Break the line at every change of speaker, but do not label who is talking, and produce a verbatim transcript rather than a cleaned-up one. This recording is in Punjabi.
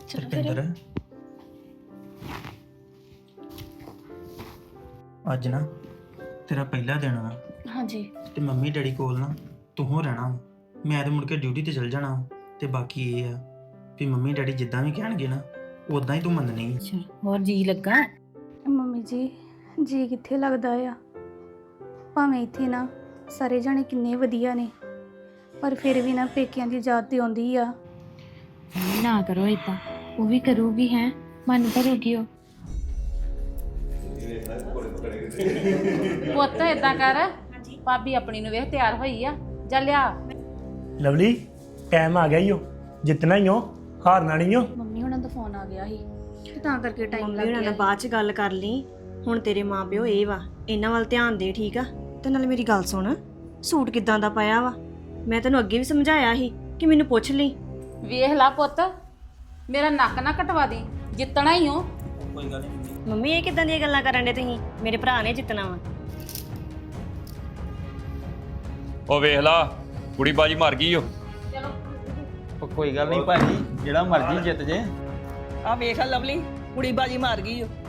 ਰਪਿੰਦਰ ਅੱਜ ਨਾ ਤੇਰਾ ਪਹਿਲਾ ਦਿਨ ਆ।
ਹਾਂਜੀ
ਤੇ ਮੰਮੀ ਡੈਡੀ ਕੋਲ ਨਾ ਤੂੰ ਹੋ ਰਹਿਣਾ ਵਾ। ਮੈਂ ਤੇ ਮੁੜ ਕੇ ਡਿਊਟੀ ਤੇ ਚਲ ਜਾਣਾ ਵਾ। ਤੇ ਬਾਕੀ ਇਹ ਆ ਵੀ ਮੰਮੀ ਡੈਡੀ ਜਿੱਦਾਂ ਵੀ ਕਹਿਣਗੇ ਨਾ ਉਦਾਂ ਹੀ ਤੂੰ ਮੰਨਣੀ ਆ।
ਅੱਛਾ ਹੋਰ ਜੀ ਲੱਗਾ?
ਮੰਮੀ ਜੀ ਜੀ ਕਿੱਥੇ ਲੱਗਦਾ ਆ। ਭਾਵੇਂ ਇੱਥੇ ਨਾ ਸਾਰੇ ਜਾਣੇ ਕਿੰਨੇ ਵਧੀਆ ਨੇ ਪਰ ਫਿਰ ਵੀ ਨਾ ਪੇਕਿਆਂ ਦੀ ਯਾਦ ਤੇ ਆਉਂਦੀ ਆ।
ਨਾ ਕਰੋ ਇਦਾਂ, ਉਹ ਵੀ ਕਰੂਗੀ ਹੈ, ਮਨ ਭਰੂਗੀ ਉਹ।
ਪੁੱਤ ਏਦਾਂ ਕਰ, ਭਾਬੀ ਆਪਣੀ ਨੂੰ ਵੇਖ ਤਿਆਰ ਹੋਈ ਆ, ਜਾ ਲਿਆ।
ਲਵਲੀ ਟਾਈਮ ਆ ਗਿਆ ਈ ਓ, ਜਿੱਤਣਾ ਹੀ ਓ, ਹਾਰਨਾ ਨਹੀਂ ਓ।
ਮੰਮੀ ਹੁਣਾਂ ਦਾ ਫੋਨ ਆ ਗਿਆ ਸੀ ਤੇ ਤਾਂ ਕਰਕੇ ਟਾਈਮ
ਮੰਮੀ
ਲੱਗ
ਹੁਣਾਂ
ਗਿਆ
ਨਾਲ ਬਾਅਦ ਚ ਗੱਲ ਕਰ ਲਈ। ਹੁਣ ਤੇਰੇ ਮਾਪਿਓ ਇਹ ਵਾ, ਇਹਨਾਂ ਵੱਲ ਧਿਆਨ ਦੇ, ਠੀਕ ਆ? ਤੇ ਨਾਲ ਮੇਰੀ ਗੱਲ ਸੁਣ, ਸੂਟ ਕਿੱਦਾਂ ਦਾ ਪਾਇਆ ਵਾ? ਮੈਂ ਤੈਨੂੰ ਅੱਗੇ ਵੀ ਸਮਝਾਇਆ ਸੀ ਕਿ ਮੈਨੂੰ ਪੁੱਛ ਲਈ।
ਵੇਖ ਲਾ ਪੁੱਤ, ਮੇਰਾ ਨੱਕ ਨਾ ਕਟਵਾ ਦੀ, ਜਿੱਤਣਾ ਹੀ ਹੋ।
ਕੋਈ ਗੱਲ ਨਹੀਂ
ਮੰਮੀ ਇਹ ਕਿੱਦਾਂ ਦੀਆਂ ਗੱਲਾਂ ਕਰਨ ਦੇ ਤੁਸੀਂ? ਮੇਰੇ ਭਰਾ ਨੇ ਜਿੱਤਣਾ ਵਾ।
ਉਹ ਵੇਖ ਲਾ ਕੁੜੀ ਬਾਜੀ ਮਰ ਗਈ ਓ।
ਉਹ ਕੋਈ ਗੱਲ ਨਹੀਂ ਭਾਜੀ, ਜਿਹੜਾ ਮਰਜ਼ੀ ਜਿੱਤ ਜੇ।
ਆ ਵੇਖ ਲਵਲੀ ਕੁੜੀ ਬਾਜੀ ਮਾਰ ਗਈ ਓ।